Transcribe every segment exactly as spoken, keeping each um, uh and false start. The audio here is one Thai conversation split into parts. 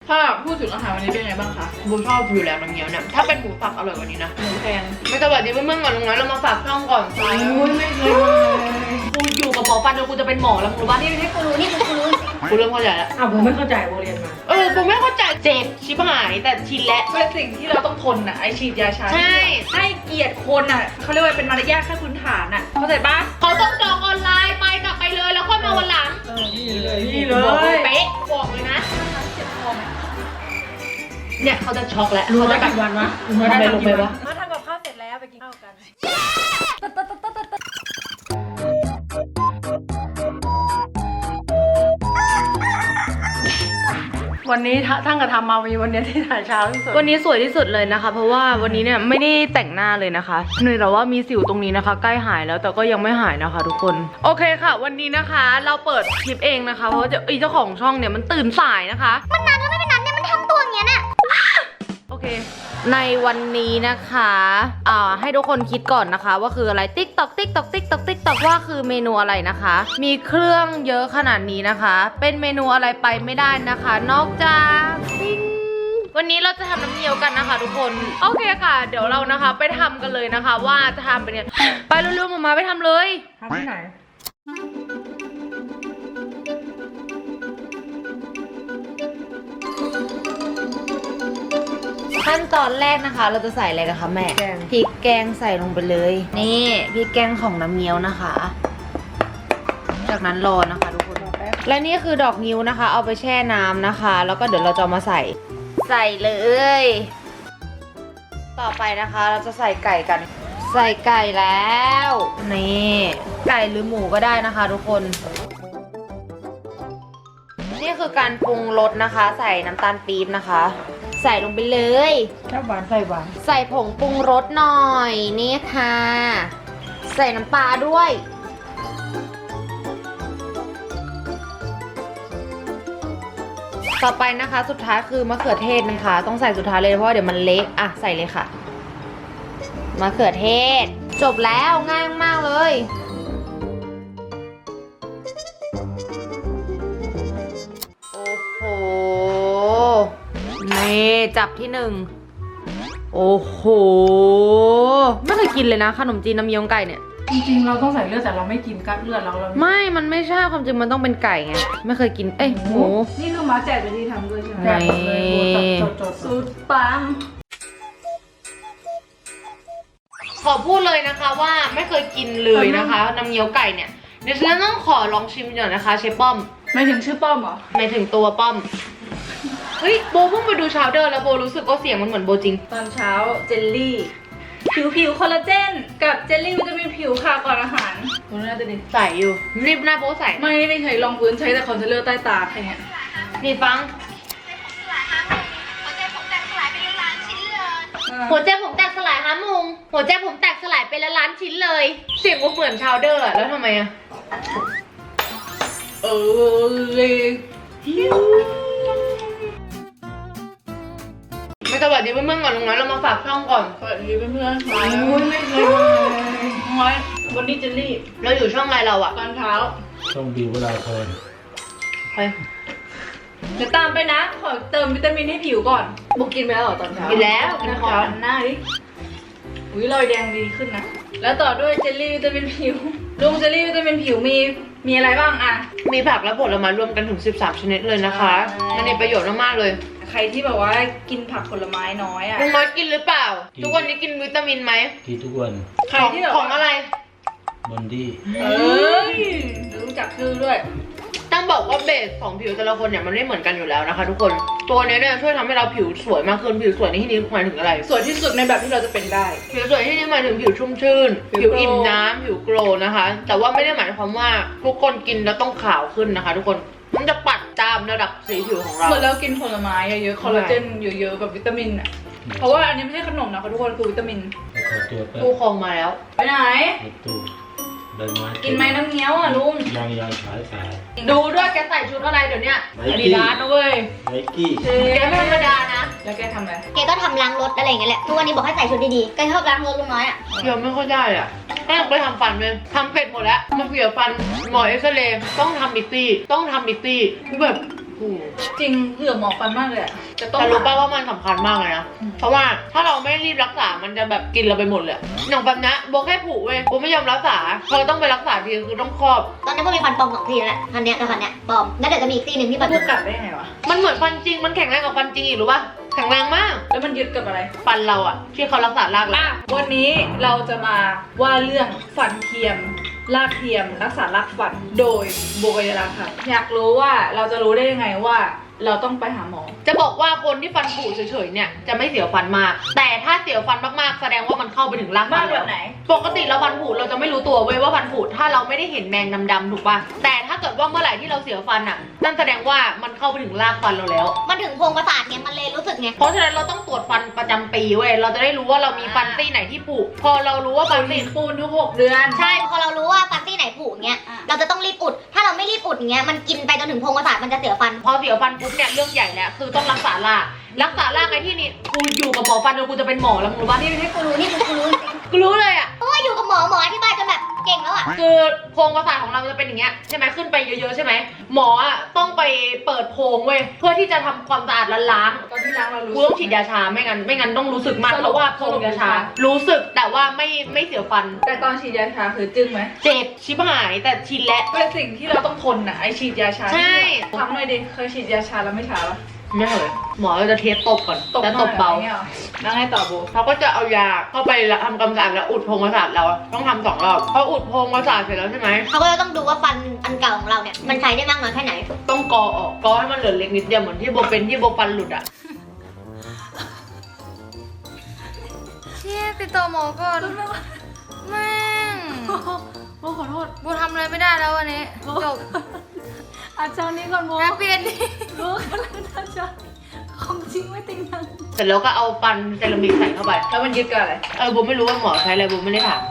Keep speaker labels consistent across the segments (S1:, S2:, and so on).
S1: ถ้าพูดถึงอาหารวันนี้เป็นไงบ้างคะ
S2: บูชอบอยู่แล้วน้ำเงี้ยวเนี่ยถ้าเป็นหมูสับอร่อยกว่านี้นะ
S1: หมูแพง
S2: ไม่สวัสดีเพื่อนๆก่อนลุงน้อยเรามาฝากช่องก่อน
S1: โอ้ยไม่เคยมากูอยู่กับหมอฟันจนกูจะเป็นหมอแล้วมึงรู้ป่ะนี่ให้กูรู้นี่กูรู้
S2: กูเริ่มเข้าใจแล้ว
S3: อ้าวผมไม่เข้าใจโบเรียนมา
S2: เออกูไม่เข้าใจเจ็บชิบหายแต่ชินแล้ว
S1: เป็นสิ่งที่เราต้องทนอ่ะไอฉีดยาชา
S2: ใช่
S1: ให้เกียรติคนอ่ะเขาเรียกว่าเป็นมารยาทขั้นพื้นฐานอ่ะเข้าใจป่ะ
S2: เขาต้องจองออนไลน์ไปกลับไปเลยแล้วค่อยมาวันหลัง
S3: เออนี่เลย
S1: นี่เลย
S2: เป๊ะบอกเลยนะ
S1: เจ็บคอไหม
S2: เนี่ยเขาจะช็อกแล้ว
S3: รู้
S2: เขา
S3: ได้
S2: จะแบบ
S3: กี่วันวะ
S2: ทำไมลงไปวะ
S3: มาทำกับข้าวเสร็จแล้วไปกินข้าวกัน วันนี้ท่านกระทำมาวีวันนี้ที่ถ่ายเช้าที่สุด
S2: วันนี้สวยที่สุดเลยนะคะ เพราะว่าวันนี้เนี่ยไม่ได้แต่งหน้าเลยนะคะเหนื่อยแต่ว่ามีสิวตรงนี้นะคะ ใกล้หายแล้วแต่ก็ยังไม่หายนะคะ ทุกคนโอเคค่ะ วันนี้นะคะเราเปิดคลิปเองนะคะเพราะว่าไอ้เจ้าของช่องเนี่ยมันตื่นสายนะคะมันนานก็ไม่เป็นนานเนี่ยมันทำตัวอย่างเงี้ยน่ะโอเคในวันนี้นะคะอ่าให้ทุกคนคิดก่อนนะคะ ว่าคืออะไรติ๊กตอกติ๊กตอกติ๊กตอกติ๊กตอกว่าคือเมนูอะไรนะคะ มีเครื่องเยอะขนาดนี้นะคะ เป็นเมนูอะไรไปไม่ได้นะคะ นอกจากติ๊งวันนี้เราจะทำน้ำเงี้ยวกันนะคะ ทุกคนโอเคค่ะ เดี๋ยวเรานะคะ ไปทำกันเลยนะคะ ว่าจะทำเป็นยังไงไปเร็วๆมามาไปทำเลย
S3: ทำที่ไหน
S2: ขั้นตอนแรกนะคะ เราจะใส่อะไรกันคะแม่
S3: แกง
S2: พริกแกงใส่ลงไปเลยนี่พริกแกงของน้ำเงี้ยวนะคะ จากนั้นรอนะคะทุกคนและนี่คือดอกงิ้วนะคะ เอาไปแช่น้ำนะคะ แล้วก็เดี๋ยวเราจะเอามาใส่ใส่เลย ต่อไปนะคะเราจะใส่ไก่กัน ใส่ไก่แล้วนี่ไก่หรือหมูก็ได้นะคะ ทุกคนนี่คือการปรุงรสนะคะ ใส่น้ำตาลปี๊บนะคะ ใส่ลงไปเลย
S3: ชอบหวานใส่หวาน
S2: ใส่ผงปรุงรสหน่อยนี่ค่ะ ใส่น้ำปลาด้วย ต่อไปนะคะสุดท้ายคือมะเขือเทศนะคะ ต้องใส่สุดท้ายเลยเพราะว่าเดี๋ยวมันเละอ่ะใส่เลยค่ะมะเขือเทศ จบแล้วง่ายมากเลยโอ้โหนี่จับที่หนึ่งโอ้โหไม่เคยกินเลยนะขนมจีนน้ำเงี้ยวไก่เนี่ย
S3: จริงๆเราต้องใส่เลือดแต่เราไม่กินกัดเลือดเราเรา
S2: ไม่ มันไม่ใช่ความจริงมันต้องเป็นไก่ไงไม่เคยกินเอ้ยหมู
S1: นี่คือมาแจกวิธีทำด้วยใช่ไหม
S3: แกงหมดเลยโบจดจด
S1: สูตรปัง
S2: ขอพูดเลยนะคะว่าไม่เคยกินเลยนะคะน้ำเงี้ยวไก่เนี่ยเดี๋ยวฉันต้องขอลองชิมหน่อยนะคะเชฟป้อม
S1: ไม่ถึงชื่อป้อมเหรอ
S2: หมายถึงตัวป้อมเฮ้ยโบเพิ่งไปดูชาวเดอร์แล้วโบรู้สึกว่าเสียงมันเหมือนโบจริง
S1: ตอนเช้าเจลลี่ ผิวผิวคอลลาเจนกับเจลลี่วิตามินผิวค่ะก่อนอาหารคุณน่าจะดี
S2: ใส่อยู่รีบหน้าโบใส่
S1: ไม่ไม่เคยลองพื้นใช้แต่คอนซีลเลอร์ใต้ตาแค่เนี้ย
S2: นี่ฟังหัวใจผมแตกสลายฮะมุงหัวใจผมแตกสลายไปละล้านชิ้นเลย เสียงก็เหมือนชาวเดอร์อะแล้วทำไมอะ
S1: เออเลยหิว
S2: ไม่สวัสดีเพื่อนๆก่อนลุงน้อยเรามาฝากช่องก่อน
S1: สวัสดีเพื่อนๆค่ะโอ้ยไม่เคยมาน้อยวันนี้เจลลี่
S2: เราอยู่ช่องอะไรเราอะ
S1: ตอนเช้า
S4: ต้องบิวเวลาเพลิน
S2: เฮ้ย
S1: เดี๋ยวตามไปนะ ขอเติมวิตามินให้ผิวก่อนบุกกินไปแล้วเหรอตอนเช้า
S2: กินแล้ว
S1: กินข้าวหน้าดิอุ้ยรอยแดงดีขึ้นนะ แล้วต่อด้วยเจลลี่วิตามินผิวลุงเจลลี่วิตามินผิวมีมีอะไรบ้างอะ
S2: มีผักและผลไม้รวมกันถึงสิบสามชนิดเลยนะคะ
S1: ใช่
S2: มันมีประโยชน์มากๆเลย
S1: ใครที่แบบว่ากินผักผลไม้น้อยอะ
S2: ลุงน้อยกินหรือเปล่า ทุกวันนี้กินวิตามินไหม
S4: กินทุกวัน
S1: ใครที่แบบ
S2: ของ
S1: ว่า
S2: อะไร
S4: บอนดี้
S1: เอ้ยรู้จักชื่อด้วย
S2: ต้องบอกว่าเบสของผิวแต่ละคนเนี่ยมันไม่เหมือนกันอยู่แล้วนะคะ ทุกคนตัวนี้เนี่ยช่วยทำให้เราผิวสวยมากขึ้นผิวสวยในที่นี้หมายถึงอะไร
S1: สวยที่สุดในแบบที่เราจะเป็นได้
S2: ผิวสวยที่นี่หมายถึงผิวชุ่มชื่น
S1: ผิ
S2: ผิ
S1: ว
S2: ว
S1: โกลว์
S2: อิ่มน้ำผิวโกลว์นะคะ แต่ว่าไม่ได้หมายความว่าทุกคนกินแล้วต้องขาวขึ้นนะคะ ทุกคนมันจะปัดตามระดับสีผิวของเรา
S1: เหมือนเรากินผลไม้เยอะๆคอลลาเจนเยอะๆแบบวิตามินอะเพราะว่าอันนี้ไม่ใช่ขนมนะคะทุกคนคือวิตามิน
S4: แล้วขอตัวแป๊บ
S2: ตู้คองมาแล้ว
S1: ไปไหน
S4: ในตู้ใบไม้
S1: กินไหมน้ำเงี้ยวอ่ะลุง
S4: ยางยางฉายสาย
S2: ดูด้วยแกใส่ชุดอะไรเดี๋ยวเนี้ย
S4: ไน
S1: อาดิ
S4: กี้
S1: ดาสนะเว้ย
S4: ไนกี้
S1: เจ๊
S2: แกไม่ธรรมดานะ
S1: แล้วแกทำอะไร
S5: แกก็ทำล้างรถอะไรอย่างเงี้ยแหละทุกวันนี้บอกให้ใส่ชุดดีๆแกชอบล้างรถลุงน้อยอ่ะ
S2: เดี๋ยวไม่ค่อยได้อ่ะแม่ไปทำฟันเลยทำเป็ดหมดแล้วมาเสียฟันหมอเอ็กซเรย์ต้องทำบิตตี้ต้องทำบิตตี้คือแบบผู
S1: จริงเผื่อหมอฟันมากเลยอะจะต้อง
S2: แต่รู้ป่ะว่ามันสำคัญมากเลยนะ เพราะว่าถ้าเราไม่รีบรักษา มันจะแบบกินเราไปหมดเลยอย่างแบบนี้โบแค่ผูเว้ยโบไม่ยอมรักษาพอต้องไปรักษาทีคือต้องครอบ
S5: ตอนนี้ก็มีฟันปลอมสองทีแล้วแหละฟันเนี้ยกับฟันเนี้ยปลอมแล้วเดี๋ยวจะมีอีกทีหนึ่งที่ฟัน
S1: พูดกลับได้ยังไงวะ
S2: มันเหมือนฟันจริง มันแข็งแรงกว่าฟันจริงอีกรู้ป่ะ แข็งแรงมาก
S1: แล้วมันยึดกับอะไร
S2: ฟันเราอะที่เขารักษารากแล้ว
S1: อ่ะวันนี้เราจะมาว่าเรื่องฟันเทียมรากเทียม รักษารากฟันโดยโบกยราค่ะ อยากรู้ว่าเราจะรู้ได้ยังไงว่าเราต้องไปหาหมอ
S2: จะบอกว่าคนที่ฟันผุเฉยๆเนี่ยจะไม่เสียวฟันมาก แต่ถ้าเสียวฟันมากๆแสดงว่ามันเข้าไปถึงรากฟั
S1: มาก
S2: น
S1: แบบไหน
S2: ปกติเราฟันผุเราจะไม่รู้ตัวเว้ยว่าฟันผุถ้าเราไม่ได้เห็นแมงดำๆถูกป่ะแต่ถ้าเกิดว่าเมื่อไหร่ที่เราเสียวฟันอ่ะนั่นแสดงว่ามันเข้าไปถึงรากฟันเราแล้ว
S5: มันถึงโพรงประสาทไงมันเลยรู้สึกไง
S2: เพราะฉะนั้นเราต้องตรวจฟันประจำปีเว้ยเราจะได้รู้ว่าเรามีฟันซี่ไหนที่ผุพอเรารู้ว่าฟันซี่
S1: ปูนทุกหกเดือน
S5: ใช่พอเรารู้ว่าฟันที่ไหนผุเงี้ย
S1: อ่ะ
S5: เราจะต้องรีบอุด ถ้าเราไม่รีบอุดเงี้ยมันกินไปจนถึงโพรงประสาทมันจะเสียฟัน
S2: พอเสียวฟันปุ๊บเนี่ยเรื่องใหญ่แล้วคือต้องรักษารากรักษารากไงที่นี่กูอยู่กับหมอฟันจนกูจะเป็นหมอแล้วมึงรู้ป่ะ
S5: นี่ให้กูรู้นี่กูรู้
S2: กูรู้เลยอ่ะ
S5: เพราะว่าอยู่กับหมอหมออธิบายจนแบบเก่งแล้วอ่ะ
S2: คือโพรงประสาทของเราจะเป็นอย่างเงี้ยใช่ไหมขึ้นไปเยอะๆใช่ไหมหมออ่ะต้องไปเปิดโพรงเว้ยเพื่อที่จะทำความสะอาดและล้าง
S1: ตอนที่ล้างเรารู้
S2: กูต้องฉีดยาชาไม่งั้นไม่งั้นต้องรู้สึกมาก
S1: สรุป
S2: เพราะว่าโพรงยาชา รู้สึกแต่ว่าไม่ไม่เสียวฟัน
S1: แต่ตอนฉีดยาชาคือจึ้งไหม
S2: เจ็บชิบหายแต่ชินแล้ว
S1: เป็นสิ่งที่เราต้องทนนะไอฉีดยาชา
S2: ใช่
S1: ทำหน่อยดิเคยฉีดยาชาแล้วไม่ชาปะ
S2: ไม่เหรอหมอจะเทสตบก่อนแล้วตบเบา
S1: นี่ยหรอแล้วไงต่อโบ
S2: เขาก็จะเอายาเข้าไปทำความสะอาดแล้วอุดโพรงประสาทเราอะต้องทำสองรอบพออุดโพรงประสาทเสร็จแล้วใช่ไหม
S5: เขาก็จะต้องดูว่าฟันอันเก่าของเราเนี่ยมันใช้ได้มากน้อยแค่ไหน
S2: ต้องกอออกกอให้มันเหลือเล็กนิดเดียวเหมือนที่โบเป็นที่โบฟันหลุดอะ
S6: เชี่ยติดต่อหมอก่อนแม่ง
S1: โบขอโทษ
S6: บูทำอะไรไม่ได้แล้ววันนี้จบ
S1: อาจารย์นี้ก่อนโบ
S6: แฮปปี้เอนดิ้ง
S1: โบกำลังอาจารย์ของจริงไม่ติงนัง
S2: เสร็จแล้วก็เอาฟันเซรามิกใส่เข้าไป
S1: แล้วมันยึดกับอะไร
S2: เออโบไม่รู้ว่าหมอใช้อะไรโบไม่ได้ถาม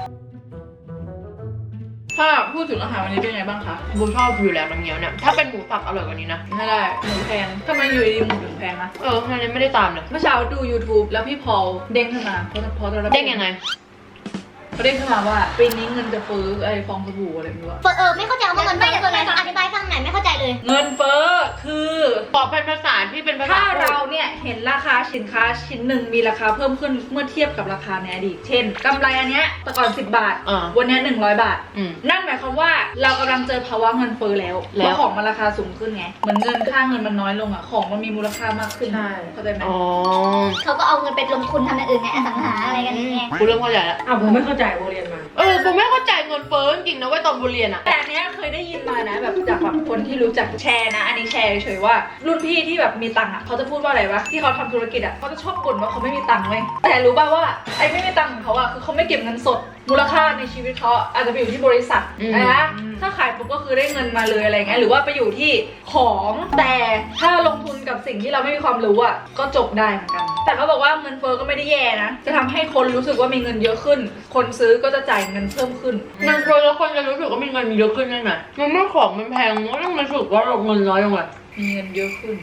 S1: ถ้าพูดถึงอาหารวันนี้เป็นไงบ้างคะ
S2: โบชอบอยู่แล้วน้ำเงี้ยวเนี่ยถ้าเป็นหมูสับอร่อยกว่านี้นะ
S1: ไม่ได้หมูแพงทำไมอยู่ดีๆหมูถึงแพงนะ
S2: เออมันยังไม่ได้ตามเลย
S1: เมื่อเช้าดู YouTube แล้วพี่พอลเด้งขึ้นมาเพราะเพราะเรา
S2: เด้งยังไง
S1: เขาเด้งขึ้นมาว่าปีนี้เงินจะเฟ้อไอ้ฟองสบู่อะไรไม่รู้อะ
S5: เออไม่เข้าใจว่าเงินไม่คืออะไรอธิบายฟังหน่อยไม่เข้าใจเลย
S1: เงินเฟ้อคือ
S2: บอกเป็นภาษาที่เป็นภาษา
S1: ถ้าเราเนี่ยเห็นราคาสินค้าชิ้นหนึ่งมีราคาเพิ่มขึ้นเมื่อเทียบกับราคาในอดีต เช่นกำไรอันเนี้ยแต่ก่อนสิบบาท
S2: อ่า
S1: วันเนี้ยหนึ่งร้อยบาท
S2: อืม
S1: นั่นหมายความว่าเรากำลังเจอภาวะเงินเฟ้อแล้ว
S2: แล้ว
S1: เพราะของมันราคาสูงขึ้นไง เหมือนเงินค่าเงินมันน้อยลงอ่ะ ของมันมีมูลค่ามากขึ้น
S3: ใช่
S1: เข้าใจไหม
S2: อ๋อ
S5: เขาก็เอาเงินไปลงทุนทำอย่างอื่นไงอสังหาอะไรกันอย่างเงี้ย
S2: กูเริ่มเข้าใจแล้ว
S3: อ้าวผมไม่เข้าใจโบเรียนมา
S2: เออกูไม่เข้าใจเงินเฟ้อจริงๆนะเว้ยตอนโบเรียนอะ
S1: แต่อันเนี้ยเคยได้ยินมานะแบบจากแบบคนที่รู้จักแชร์นะ อันนี้แชร์เฉยๆว่ารุ่นพี่ที่แบบมีตังค์อ่ะเขาจะพูดว่าอะไรวะที่เขาทำธุรกิจอ่ะเขาจะชอบบ่นว่าเขาไม่มีตังค์เว้ยแต่รู้ป่าวว่าไอ้ไม่มีตังค์ของเขาอ่ะคือเขาไม่เก็บเงินสด มูลค่าในชีวิตเขาอาจจะไปอยู่ที่บริษัทนะถ้าขายปุ๊บก็คือได้เงินมาเลยอะไรเงี้ยหรือว่าไปอยู่ที่ของแต่ถ้าลงทุนกับสิ่งที่เราไม่มีความรู้อ่ะก็จบได้เหมือนกัน แต่เขาบอกว่าเงินเฟ้อก็ไม่ได้แย่นะจะทำให้คนรู้สึกว่ามีเงินเยอะขึ้น คนซื้อก็จะจ่ายเงินเพิ่มขึ้น
S2: เงินเฟ้อแล้วคนจะรู้สึกว่ามีเงินมีเยอะขึ้นได้ไหมมันไม่ของมันแพงมันก็ต้องรู้สึกว่าเราเงินน้อยลงเลย
S1: มีเงินเยอะขึ้น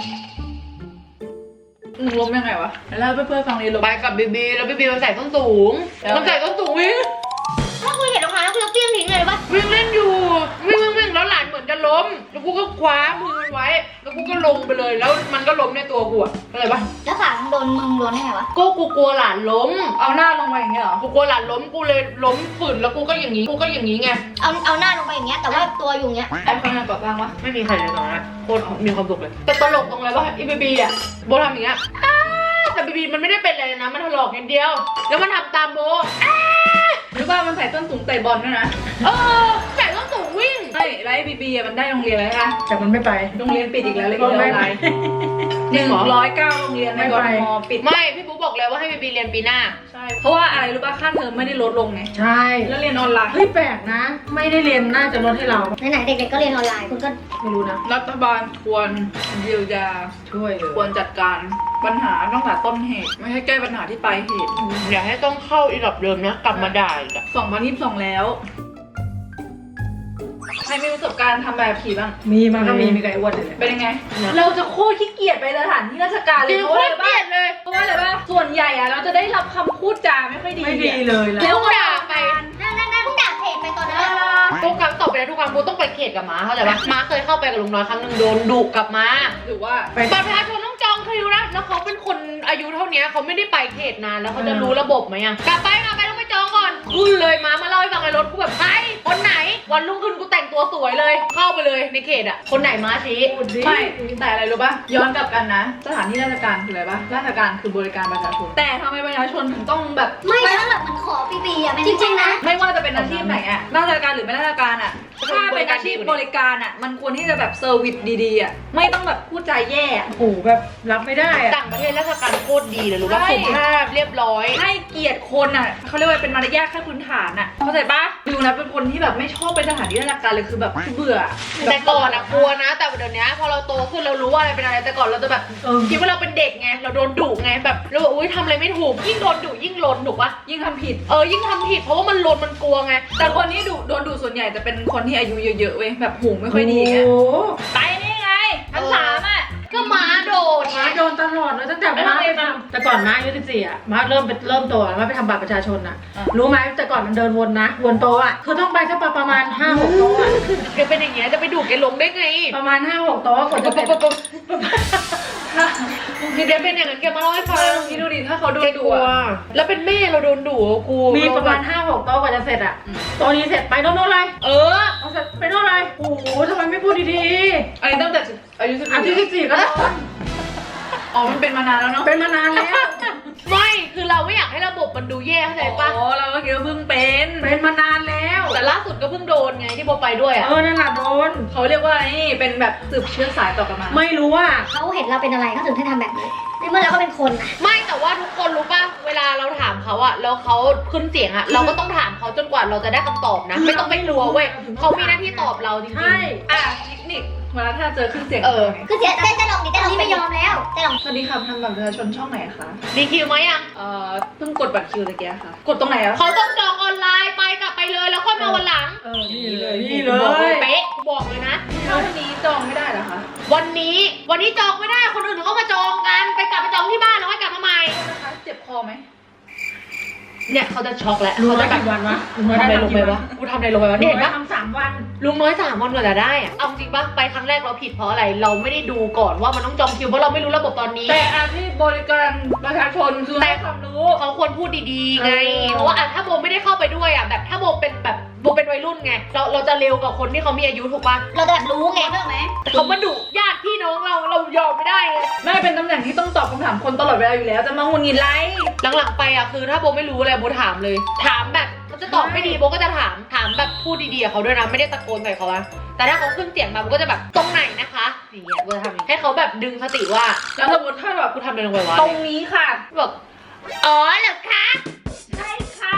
S1: หนึ่งล้มยังไงวะแล้วเพื่อนๆฟังนี้ล้ม
S2: ไปกับบีบีแล้วบีบีมันใส่ส้นสูง
S1: แล้ว
S2: มันใส่ส้นสูงวิ่ง
S5: ถ้าคุยเห็นรองเท้าแล้วกูจะเปี้ยงทิ้งเลยปะ
S2: วิ่งเล่นอยู่วิ่งวิ่งวิ่งแล้วหลานเหมือนจะล้มแล้วกูก็คว้ามือมันไว้แล้วกูก็ลงไปเลยแล้วมันก็ล้มในตัวกูอะอะไรปะ
S5: แล้วขามึงโดนมึงโดนได้ไงวะ
S2: ก็กูกลัวหลานล้ม
S1: เอาหน้าลงมาอย่างเงี้ยเหรอ
S2: กูกลัวหลานล้มกูเลยล้มฝืนแล้วกูก็อย่างนี้กูก็อย่างนี้ไง
S5: เอาเอาหน้าลงไปอย่างเงี้ยแต่ว่าตัวอยู่อย่างเงี้ย
S1: ไอ้คนงานก่อสร้างวะ
S2: ไม่มีใครเลยตรงนั้นโคตรมีความสุขเลยแต่ตลกตรงเลยว่าอีบีบีอะโบทำอย่างเงี้ยอ้าแต่บีบีมันไม่ได้เป็นอะไรเลยนะมันถลอกอย่างเดียว แล้วมันทำตามโบอ้า
S1: หรือว่ามันใส่ส้นสูงเตะบอลด้วยนะ
S2: เออใส่ส้นสูงวิ่ง
S1: ใช่แล้วไอ้บีบีอะมันได้โรงเรียนแล้วค่ะ
S3: แต่มันไม่ไป
S1: โรงเรียนปิดอีกแล้วเลย
S3: ก็
S1: เรียนอ
S3: ไม่
S1: อน
S3: ไป
S1: ไลน์หนึ่งร้อยเก้าโรงเรียนในกรทมปิด
S2: ไม่พี่ปุ๊บอกเลยว่าให้บีบีเรียนปีหน้า
S1: ใช่เพราะว่าอะไรรู้ป่ะค่าเทอมไม่ได้ลดลงไง
S3: ใช่
S1: แล้วเรียนออนไลน์
S3: เฮ้ยแปลกนะ ไม่ได้เรียนน่าจะลดให้เรา
S5: ไหนๆเด็กๆก็เรียนออนไลน์คุณก็
S3: ไม่รู้นะ
S1: รัฐบาลควรเยียวยา
S3: ช่วยเลย
S1: ควรจัดการปัญหาตั้งแต่ต้นเหตุ ไม่ให้แก้ปัญหาที่ปลายเหตุ
S2: อย่าให้ต้องเข้าอีหลับเดิมนะกลับมาด่าอีกอะ
S1: สองพันยี่สิบสองแล้วใครมีประสบการณ์ทำแบบขี่บ้าง
S3: มีมันก็มีมีไก่อ้วนเลยเนี่ย
S1: เป็นยังไง เราจะโคตรขี้เกียจไปสถานที่ราชการเล
S2: จริ
S1: ย
S2: ง
S1: เพ
S2: โค
S1: ราะอะไร
S2: ตรเกลี
S1: บ้าย
S2: ดเลย
S1: เพราะว่าอะไรบ้าส่วนใหญ่อะเราจะได้รับคำพูดจาไม่ค่อยดี
S3: ไม่ดีเลยล่ะ
S1: แล้ว
S2: ด่าไป
S5: นั่นนั่นนั่นเพิ่งด่าเพจไปตอนนั้นอะ
S2: โปรแกรมต่อไปนะทุกครั้งโบต้องไปเขตกับม้าเข้าใจปะม้าเคยเข้าไปกับลุงน้อยครั้งหนึ่งโดนดุกลับมา
S1: หรือว่า
S2: บัตรประชาชนต้องจองคิวนะแล้วเขาเป็นคนอายุเท่านี้เขาไม่ได้ไปเขตนานแล้วเขาจะรู้ระบบไหมอะกลับไปกลับไปต้องไปจองก่อนขึ้นเลยม้ามาเล่าให้ฟังในรถกูแบบใครคนไหนวันรุ่งขึ้นกูแต่งตัวสวยเลยเข้าไปเลยในเขตอะคนไหนม้าชี้
S1: ไม่แต่อะไรรู้ป่ะย้อนกลับกันนะสถานที่ราชการคืออะไรป่ะราชการคือบริการประชาชนแต่ทำไมประชาชนถึงต้องแบบ
S5: ไม่ถ้าแบบมันขอฟรีๆอ่ะจริงๆนะ
S1: ไม่ว่าจะเป็นอาชีพไหนอะราชการหรือไม่ราชการอะถ้าเป็นอาชีพบริการอะมันควรที่จะแบบเซอร์วิสดีๆอะไม่ต้องแบบพูดจาแย่อะ
S3: โอ้โหแบบรับไม่ได้อะ
S2: ต่างประเทศราชการโคตรดีเลยรู้ป่ะ
S1: ใช่
S2: สุภาพเรียบร้อย
S1: ให้เกียรติคนอะเขาเรียกว่าเป็นมารยาทขั้นพื้นฐานอะเข้าใจปะดูนะเป็นคนที่แบบไม่ชอบไปสถานที่ราชการเลยคือแบบเบื่อ
S2: แต่ก่อนอะกลัวนะ แต่เดี๋ยวนี้พอเราโตขึ้นเรารู้ว่าอะไรเป็นอะไรแต่ก่อนเราจะแบบ
S3: เออ
S2: คิดว่าเราเป็นเด็กไงเราโดนดุไงแบบเราแบบอุ้ยทำอะไรไม่ถูกยิ่งโดนดุยิ่งลนถูกปะ
S1: ยิ่งทำผิด
S2: เออยิ่งทำผิดเพราะว่ามันลนมันกลัวไง
S1: แต่คนที่ดุโดนดุส่วนใหญ่จะเป็นคนที่อายุเยอะๆเว้ยแบบหูไม่ค่อยดีไง
S3: โอ้โห
S1: ไปนี่ไงทั้งสามอะ
S2: ก็ม้าโดนไง
S3: ม้าโดนตลอดเลยตั้งแต่ม้าไปทำแต่ก่อนม้าอายุสิบสี่อ่ะม้าเริ่มไปเริ่มโตแล้วม้าไปทำบัตรประชาชนอ่ะ รู้ไหมแต่ก่อนมันเดินวนนะวนโตะอ่ะคือต้องไปสักประมาณห้าหกโต๊ะอ่ะ
S2: แกเป็นอย่างเงี้ยจะไปดุแกลงได้ไง
S3: ประมาณห้าหกโต๊ะกว่าจะเสร็จ
S2: คือแกเป็นอย่างนั้นแกมาเล่าให้ฟัง
S1: พี่ดูดิถ้าเขาโด
S2: แก
S1: นดุ
S2: กลัว
S1: อะ
S2: แล้วเป็นแม่เราโดนดุอะกู
S3: มีประมาณห้าหกโต๊ะกว่าจะเสร็จอ่ะโต๊ะนี้เสร็จไปโน่นโน่นเลย
S2: เออ
S3: เอาเสร็จไปโน่นเลยโอ้โหทำไมไม่พูดดี
S1: อันนี้ตั้งแต่อายุสิบ
S3: ๆอาทิตย์ที่สี่ก็โดน
S1: อ๋อมันเป็นมานานแล้วเนาะ
S3: เป็นมานานแล้ว
S2: ไม่คือเราไม่อยากให้ระบบมันดูแย่เข้าใจปะ
S1: อ๋อเราก็คิดว่าเพิ่งเป็น
S3: เป็นมานานแล้ว
S2: แต่ล่าสุดก็เพิ่งโดนไงที่โบไปด้วยอ่ะ
S3: เออนั่นแหละโดน
S1: เขาเรียกว่านี่เป็นแบบสืบเชื้อสายต่อกันมา
S3: ไม่รู้ว่า
S5: เขาเห็นเราเป็นอะไรเขาถึงให้ทำแบบนี้ในเมื่อเราก็เป็นคนอะ
S2: ไม่แต่ว่าทุกคนรู้ป่ะเวลาเราถามเขาอะแล้วเขาขึ้นเสียงอะเราก็ต้องถามเขาจนกว่าเราจะได้คำตอบนะ ไม่ต้องไปกลัวเว้ยเขามีหน้าที่ตอบเราจริง
S3: ใช่
S1: อ่ะเทคนิคเวลาถ้าเจอขึ้นเสียง
S2: เออ
S5: คือเจ๊เจ๊จะลองดิเจ๊ลองไม่ยอมแล้วเจ๊ลอง
S1: สวัสดีค่ะทำบัตรประชาชนช่องไหนคะ
S2: ๆมีคิวไหมยัง
S1: เอ่อเพิ่งกดบัตรคิวตะเกียค่ะ กดตรงไหนอะ
S2: เขาต้องจองออนไลน์ไปกลับไปเลยแล้วค่อยมาวันหลัง
S3: เออนี่เลยนี่เล
S2: บอกเลย
S3: ย
S2: เป๊ะบอกเลยนะ
S1: ถ้าวันนี้จองไม่ได้เหรอคะ
S2: วันนี้วันนี้จองไม่ได้คนอื่นเขามาจองกันไปกลับไปจองที่บ้านแล้วค่อยกลับมาใหม่
S1: นะคะเจ็บคอไหม
S2: เนี่ยเขาจะช็อกแล้ว
S3: รู้
S2: เขา
S3: ไหม
S2: จะแบบ
S3: กี่วันวะ
S2: ทำอะไรลงไปวะกูทำอะไรลงไปวะ
S3: เนี่
S2: เนี่ย ยเห็นปะ
S3: ทำสามวัน
S2: ลุงน้อยสามวันกว่าจะได้อะเอาจริงปะไปครั้งแรกเราผิดเพราะอะไร เราไม่ได้ดูก่อนว่ามันต้องจองคิวเพราะเราไม่รู้ระบบตอนนี้
S1: แต่อาชีพบริการประชาชนคือให้ความรู้
S2: เขาควรพูดดีๆไง
S3: เออ
S2: เพราะว่าอ่ะถ้าโบไม่ได้เข้าไปด้วยอ่ะแบบถ้าโบเป็นแบบโบเป็นวัยรุ่นไง เราเราจะเร็วกว่าคนที่เขามีอายุถูกปะ
S5: เราจะแบบรู้ไงเพื่อไหม
S2: แต่เขามาดุญาติพี่น้องเราเรายอมไม่ได้ไง
S1: ไม่เป็นตำแหน่งที่ต้องตอบคำถามคนตลอดเวลาอยู่แล้ว จะมาหงุดหงิดไร
S2: หลังๆไปอ่ะคือถ้าโบไม่รู้อะไรโบถามเลย ถามแบบเขาจะตอบไม่ดีโบก็จะถามถามแบบพูดดีๆกับเขาด้วยนะไม่ได้ตะโกนใส่เขาอะแต่ถ้าเขาขึ้นเสียงมาโบก็จะแบบตรงไหนนะคะอย่างเงี้ยโบจะทำอย่างงี้ให้เขาแบบดึงสติว่า
S1: แล้วสมมติถ้าแบบ
S2: กูทำอะไรลงไปวะ
S1: ตรงนี้ค่ะ
S2: แบบอ๋อเหรอคะ
S1: ใช่ค่ะ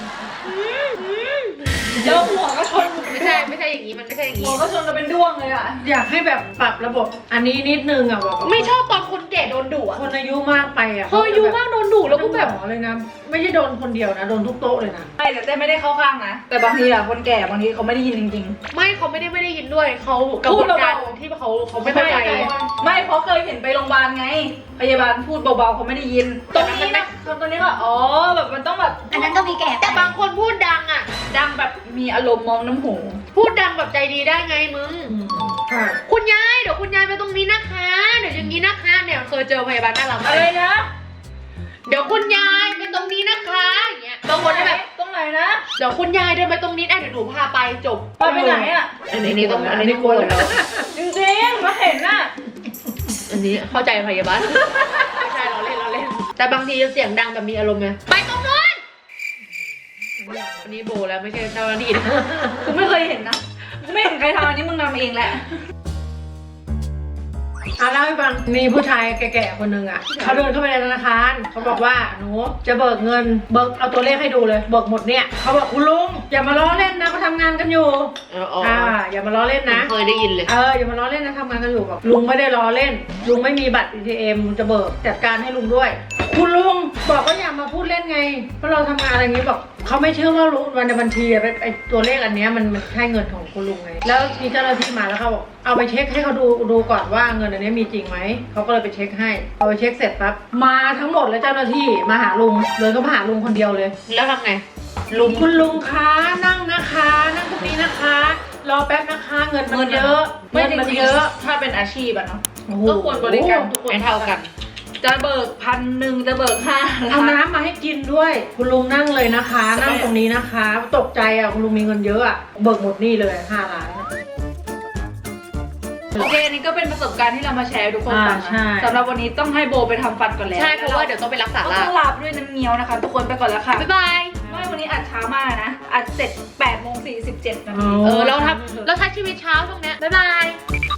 S1: แล้วหัวก็ชน
S2: ไม่ใช่ไม่ใช่อย่างนี้มันไม่ใช่อย่าง
S1: หั
S2: นี้
S1: วก็ชนกันเป็นด้วงเลยอ่ะ
S3: อยากให้แบบปรับระบบอันนี้นิดนึงอ่ะแบบ
S2: ไม่ชอบตอนคนแก่โดนดุอะ
S3: คนอายุมากไปอ่ะ
S2: พออายุมากโดนดุแล้วก็แบบ
S3: หมอเลยนะ ไม่ใช่โดนคนเดียวนะโดนทุกโต๊ะเลยนะ
S1: ไม่แต่เต้ไม่ได้เข้าข้างนะ แต่บางทีอะคนแก่บางทีเขาไม่ได้ยินจริง
S2: ไม่เขาไม่ได้ไม่ได้ยินด้วยเขากระบวนการ
S1: พูดเบาๆ
S2: ที่เขาเขา
S1: ๆ
S2: ไม่เข้าใจ
S1: ไม่เพราะเคยเห็นไปโรงพยาบาลไง พยาบาลพูดเบาๆเขาไม่ได้ยิน ตรงนี้นะตรงนี้ว่าอ๋อแบบมันต้องแบบ
S5: อันนั้นก็มีแก่
S2: แต่บางคนพูดดังอ่ะ
S1: ดังแบบมีอารมณ์มองน้ำหู
S2: พูดดังแบบใจดีได้ไงมึง
S3: ใช่
S2: คุณยายเดี๋ยวคุณยายไปตรงนี้นะคะเดี๋ยวอย่างนี้นะคะเนี่ยเคยเจอพยาบาลน่ารักมา
S1: อะ
S2: ก
S1: ไรนะ
S2: เดี๋ยวคุณยายไปตรงนี้นะคะอย่างเงี้ยบางคนก็แบบ
S1: ตรงไหนนะ
S2: เดี๋ยวคุณยายเดินไปตรงนี้อ่ะเดี๋ยวหนูพาไปจบ
S1: ไปไปไหนอะ
S2: อันนี้ต้องอันนี้ต้องกลัวแล้ว
S1: จริงๆมาเห็นน่ะ
S2: อันนี้เข้าใจพยาบาล ไม่ใช่เราเล่นเราเล่น แต่บางทีเสียงดังแบบมีอารมณ์ไงไปตรงนู้นอันนี้โบแล้วไม่ใช่เจ้าหน้าที่นะ
S1: กูไม่เคยเห็นนะกูไม่เห็นใครทำอันนี้มึงทำเองแหละ
S3: อ่ะเล่าให้ฟังมีผู้ชายแก่ๆคนหนึ่งอ่ะเขาเดินเข้าไปในธนาคารเขาบอกว่าหนูจะเบิกเงินเบิกเอาตัวเลขให้ดูเลยเบิกหมดเนี่ยเขาบอกคุณลุงอย่ามาล้อเล่นนะเขาทำงานกันอยู่
S2: เอออ๋อ
S3: อ่าอย่ามาล้อเล่นนะ
S2: เคยได้ยินเลย
S3: เอออย่ามาล้อเล่นนะทำงานกันอยู่บอกลุงไม่ได้ล้อเล่น ลุงไม่มีบัตร เอ ที เอ็ม ลุงจะเบิกจัดการให้ลุงด้วย คุณลุงบอกว่าอย่ามาพูดเล่นไงเพราะเราทำงานอะไรอย่างนี้บอกเขาไม่เชื่อว่ารู้วันในบัญชีอะไอ้ไอตัวเลขอันเนี้ยมันมันใช่เงินของคุณลุงไงแล้วมีเจ้าหน้าที่มาแล้วเขาบอกเอาไปเช็คให้เขาดูดูก่อนว่าเงินอันนี้มีจริงไหมเขาก็เลยไปเช็คให้เอาไปเช็คเสร็จปั๊บมาทั้งหมดเลยเจ้าหน้าที่มาหาลุงเลยก็มาหาลุงคนเดียวเลย
S2: แล้วทำไงลุง
S3: คุณลุงคะนั่งนะคะ นั่งตรงนี้นะคะรอแป๊บนะคะเงินมัน
S1: เงิน
S3: เยอะ
S1: ไม่
S3: เงิน
S1: จ
S3: มัน
S1: ริง
S3: เยอะ
S1: ๆถ้าเป็นอาชีพอะเนาะ
S3: โอ้โห
S1: ก็ควรบริการทุกคน
S2: ไม่เท่ากัน
S1: จะเบิกพันหนึ่งจะเบิกห้า
S3: เอาน้ำมาให้กินด้วย คุณลุงนั่งเลยนะคะ นั่งตรงนี้นะคะ ตกใจอ่ะคุณลุงมีเงินเยอะอ่ะเบิกหมดหนี่เลยห้าล้านอะ
S1: โอเคอันนี้ก็เป็นประสบการณ์ที่เรามาแชร์ให้ทุกคนฟัง
S3: อ่าใช่
S1: นะสำหรับวันนี้ต้องให้โบไปทำฟันก่อนแล้ว
S2: ใช่เพราะว่าเดี๋ยวต้องไปรักษา
S1: ก็
S2: ละ
S1: ต้องลาบด้วยน้ำเงี้ยวนะคะ ทุกคนไปก่อนแล้วค่ะ
S2: บ๊ายบาย
S1: ไม่วันนี้อัดเช้ามากนะอัดเสร็จแปดโมงสี่สิบเจ็ดนาที
S2: เออเราทำเราใช้ชีวิตเช้าตรงเนี้ยบ๊ายบาย